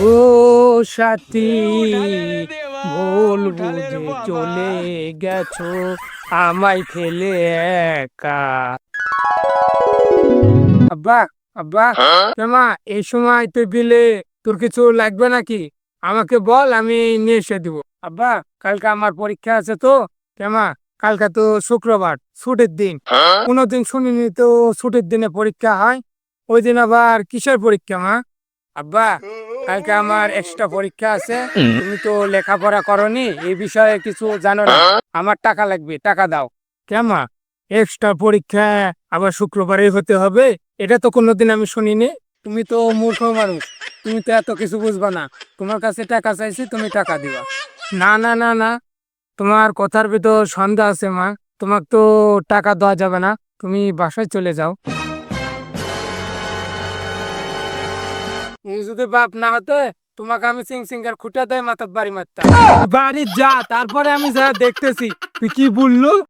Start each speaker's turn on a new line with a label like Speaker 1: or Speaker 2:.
Speaker 1: ও সাথী, ভুল বুঝে চলে গেছো আমায় ফেলে একা। আব্বা, আব্বা, কেমা এই সময় টেবিলে তোর কিছু লাগবে নাকি? আমাকে বল, আমি নিয়ে এসে দিব। আব্বা, কালকে আমার পরীক্ষা আছে তো। কেমা, কালকে তো শুক্রবার, ছুটির দিন। কোনোদিন শুনিনি তো ছুটির দিনে পরীক্ষা হয়। ওই দিন আবার কিসের পরীক্ষা মা? আব্বা, কালকে আমার এক্সট্রা পরীক্ষা আছে। তুমি তো লেখাপড়া করনি, এই বিষয়ে কিছু জানো না। আমার টাকা লাগবে, টাকা দাও। কেমা, এক্সট্রা পরীক্ষা আবার শুক্রবারে হতে হবে? এটা তো কোনোদিন আমি শুনিনি। তুমি তো মূর্খ মানুষ, তুমি তো এত কিছু বুঝবা না। তোমার কাছে টাকা চাইছি, তুমি টাকা দিবা। না না না না, তোমার কথার ভিতর সন্দেহ আছে মা। তোমাকে তো টাকা দেওয়া যাবে না, তুমি বাসায় চলে যাও। তুমি যদি বাপ না হতে, তোমাকে আমি সিং সিঙ্গার খুঁটে দেয় মাথার বাড়ি মারতাম। তুই বাড়ি যা, তারপরে আমি যা দেখতেছি। তুই কি বললো?